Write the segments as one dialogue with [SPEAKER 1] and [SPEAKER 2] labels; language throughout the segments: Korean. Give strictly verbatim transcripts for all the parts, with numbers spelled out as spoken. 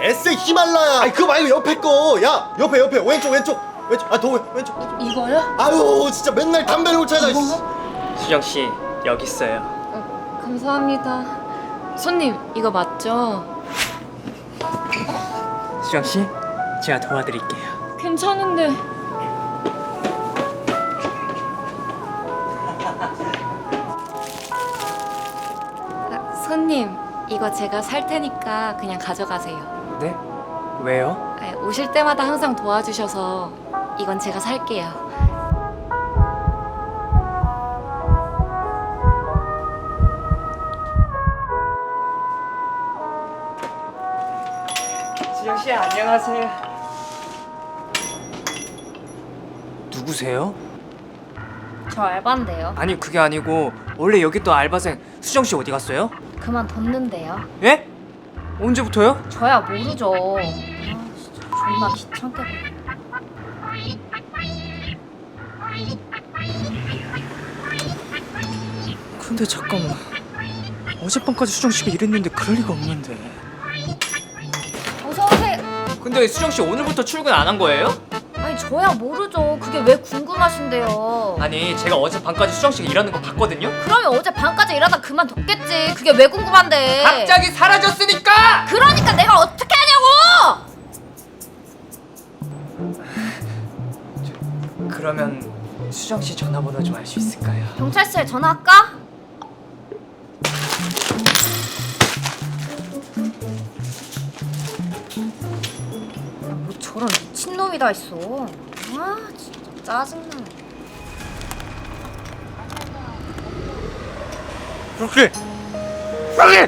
[SPEAKER 1] 에스엑 히말라야. 아니 그거 말고 옆에 거. 야 옆에 옆에 왼쪽 왼쪽 왼쪽. 아더 왼쪽 왼쪽.
[SPEAKER 2] 이거요?
[SPEAKER 1] 아유 진짜 맨날 담배를 못 찾아.
[SPEAKER 3] 수정 씨 여기 있어요.
[SPEAKER 2] 어, 감사합니다. 손님 이거 맞죠?
[SPEAKER 3] 수정 씨 제가 도와드릴게요.
[SPEAKER 2] 괜찮은데. 아, 손님 이거 제가 살 테니까 그냥 가져가세요.
[SPEAKER 3] 네? 왜요?
[SPEAKER 2] 아, 오실 때마다 항상 도와주셔서 이건 제가 살게요.
[SPEAKER 3] 수정 씨 안녕하세요. 누구세요?
[SPEAKER 2] 저 알바인데요.
[SPEAKER 3] 아니 그게 아니고 원래 여기 또 알바생 수정 씨 어디 갔어요?
[SPEAKER 2] 그만뒀는데요.
[SPEAKER 3] 예? 언제부터요?
[SPEAKER 2] 저야 모르죠. 아 진짜 존나 귀찮게 보네.
[SPEAKER 3] 근데 잠깐만 어젯밤까지 수정 씨가 이랬는데 그럴 리가 없는데.
[SPEAKER 2] 어서 오세요.
[SPEAKER 3] 근데 수정 씨 오늘부터 출근 안 한 거예요?
[SPEAKER 2] 아니 저야 모르죠. 그게 왜 궁금하신데요?
[SPEAKER 3] 아니 제가 어젯밤까지 수정 씨가 일하는 거 봤거든요?
[SPEAKER 2] 그러면 어제 밤까지 일하다 그만뒀겠지. 그게 왜 궁금한데?
[SPEAKER 3] 갑자기 사라졌으니까!
[SPEAKER 2] 그러니까 내가 어떻게 하냐고!
[SPEAKER 3] 그러면 수정 씨 전화번호 좀 알 수 있을까요?
[SPEAKER 2] 경찰서에 전화할까? 뭐 저런 미친놈이 다 있어. 아 진짜 짜증나.
[SPEAKER 3] 그렇게! 그렇게!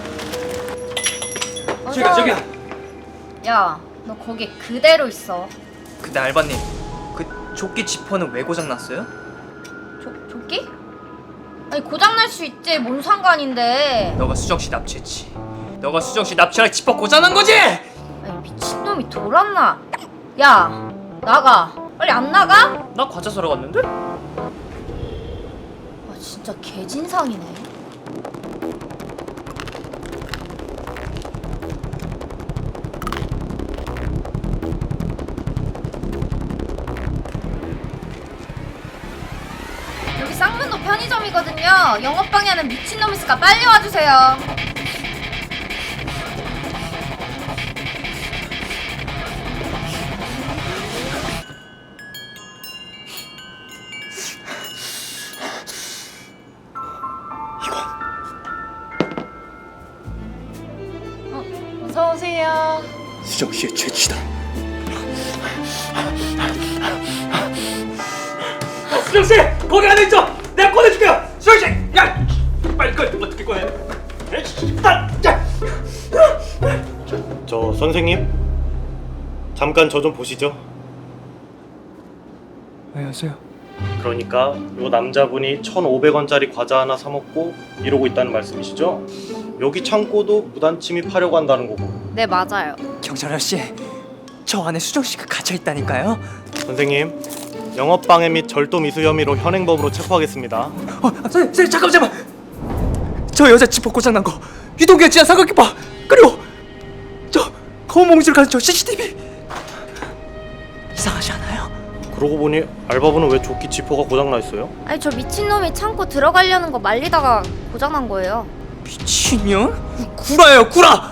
[SPEAKER 3] 저기야 저기야!
[SPEAKER 2] 야, 너 거기 그대로 있어.
[SPEAKER 3] 근데 알바님 그 조끼 지퍼는 왜 고장났어요?
[SPEAKER 2] 조, 조끼? 아니 고장날 수 있지. 뭔 상관인데.
[SPEAKER 3] 너가 수정 씨 납치했지. 너가 수정 씨 납치랑 지퍼 고장난 거지?
[SPEAKER 2] 아니 미친놈이 돌았나? 야 나가. 빨리 안 나가?
[SPEAKER 3] 나 과자 사러 갔는데?
[SPEAKER 2] 아 진짜 개진상이네. 여기 쌍문도 편의점이거든요. 영업방해 하는 미친놈 있으니까 빨리 와주세요. 어, 어서 오세요.
[SPEAKER 1] 수정 씨의 죄치다.
[SPEAKER 3] 수정 씨! 거기 안에 있죠! 내가 꺼내줄게요! 수정 씨! 야! 빨리 꺼내! 어떻게 꺼내?
[SPEAKER 1] 저 선생님 잠깐 저 좀 보시죠.
[SPEAKER 3] 안녕하세요.
[SPEAKER 1] 그러니까 요 남자분이 천오백 원짜리 과자 하나 사 먹고 이러고 있다는 말씀이시죠? 여기 창고도 무단 침입하려고 한다는 거고.
[SPEAKER 2] 네 맞아요.
[SPEAKER 3] 경찰 아저씨, 저 안에 수정 씨가 갇혀 있다니까요.
[SPEAKER 1] 선생님 영업방해 및 절도 미수 혐의로 현행범으로 체포하겠습니다.
[SPEAKER 3] 어, 선생님, 선생님 잠깐 잠깐. 저 여자 지퍼 고장난 거, 유동규 지한 삼각김바, 그리고 저 검은 몽지를 가진 저 씨씨티비 이상하지 않아요?
[SPEAKER 1] 그러고 보니 알바분은 왜 조끼 지퍼가 고장나 있어요?
[SPEAKER 2] 아니 저 미친놈이 창고 들어가려는 거 말리다가 고장난 거예요.
[SPEAKER 3] 미친년? 구라예요, 구라.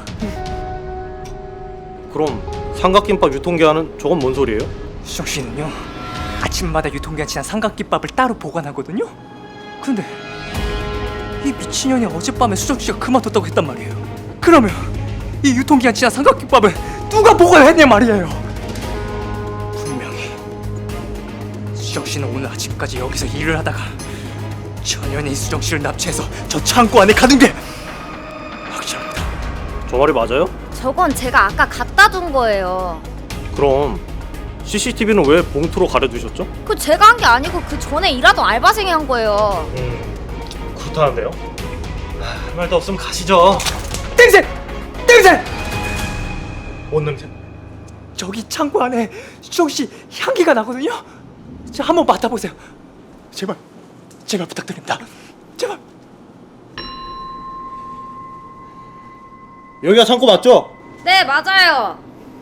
[SPEAKER 1] 그럼 삼각김밥 유통기한은 저건 뭔 소리예요?
[SPEAKER 3] 수정 씨는요 아침마다 유통기한 지난 삼각김밥을 따로 보관하거든요. 근데 이 미친년이 어젯밤에 수정 씨가 그만뒀다고 했단 말이에요. 그러면 이 유통기한 지난 삼각김밥은 누가 보관을 했냐 말이에요. 분명히 수정 씨는 오늘 아침까지 여기서 일을 하다가 전현이 수정 씨를 납치해서 저 창고 안에 가둔 게 확실합니다.
[SPEAKER 1] 저 말이 맞아요?
[SPEAKER 2] 저건 제가 아까 갖다 둔 거예요.
[SPEAKER 1] 그럼 씨씨티비는 왜 봉투로 가려두셨죠?
[SPEAKER 2] 그 제가 한 게 아니고 그 전에 일하던 알바생이 한 거예요.
[SPEAKER 1] 음 그렇다는데요? 아, 할 말도 없으면 가시죠.
[SPEAKER 3] 땡생! 땡생!
[SPEAKER 1] 뭔 냄새?
[SPEAKER 3] 저기 창고 안에 수정 씨 향기가 나거든요. 자, 한번 맡아보세요. 제발, 제발 부탁드립니다. 제발.
[SPEAKER 1] 여기가 창고 맞죠?
[SPEAKER 4] 네, 맞아요.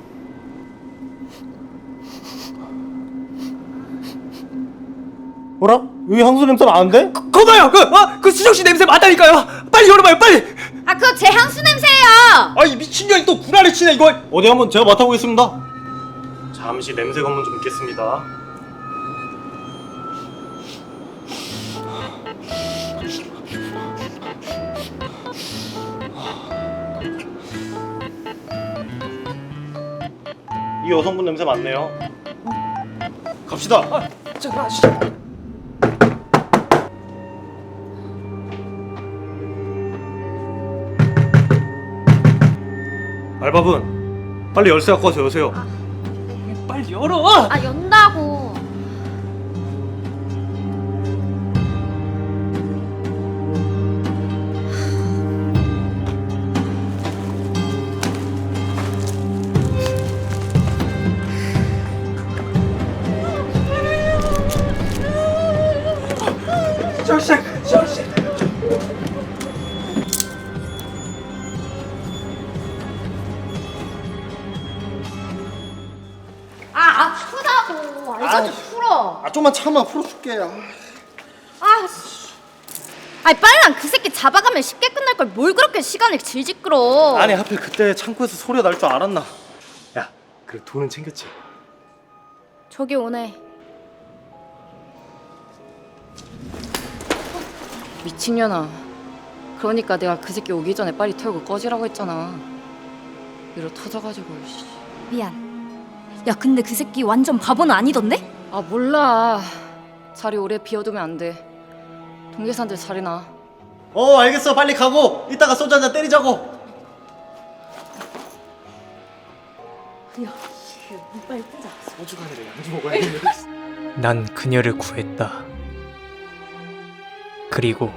[SPEAKER 1] 뭐라? 여기 향수 냄새 나는데?
[SPEAKER 3] 거, 거봐요! 그, 어? 그 수정씨 냄새 맡다니까요! 빨리 열어봐요, 빨리!
[SPEAKER 4] 아, 그거 제 향수 냄새예요.
[SPEAKER 3] 아, 이 미친년이 또 구라를 치네, 이거!
[SPEAKER 1] 어디 한번 제가 맡아보겠습니다. 잠시 냄새 검문 좀 있겠습니다. 이 여성분 냄새 맞네요. 갑시다.
[SPEAKER 3] 아, 자, 가시죠.
[SPEAKER 1] 알바분, 빨리 열쇠 갖고 와서 여세요.
[SPEAKER 3] 빨리 열어!
[SPEAKER 4] 아, 연다고.
[SPEAKER 3] 수정씨, 수정씨!
[SPEAKER 4] 아, 아프다고. 알바좀 풀어.
[SPEAKER 1] 아, 좀만 참아, 풀어줄게. 아.
[SPEAKER 4] 아, 씨. 아니, 빨랑 그 새끼 잡아가면 쉽게 끝날 걸 뭘 그렇게 시간을 질질 끌어.
[SPEAKER 1] 아니, 하필 그때 창고에서 소리가 날 줄 알았나? 야, 그래 돈은 챙겼지?
[SPEAKER 4] 저기 오네.
[SPEAKER 2] 미친년아. 그러니까 내가 그 새끼 오기 전에 빨리 털고 꺼지라고 했잖아. 이러 터져가지고. 씨.
[SPEAKER 4] 미안. 야, 근데 그 새끼 완전 바보는 아니던데?
[SPEAKER 2] 아 몰라. 자리 오래 비워두면 안 돼. 동계산들 자리나.
[SPEAKER 1] 어, 알겠어. 빨리 가고 이따가 소주 한잔 때리자고. 소주가 아니라 양주 먹어야겠네.
[SPEAKER 3] 난 그녀를 구했다. 그리고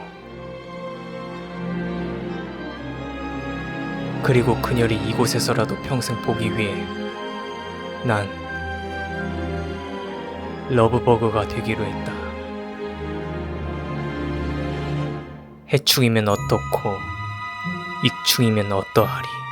[SPEAKER 3] 그리고 그녀를 이곳에서라도 평생 보기 위해 난 러브버그가 되기로 했다. 해충이면 어떻고 익충이면 어떠하리.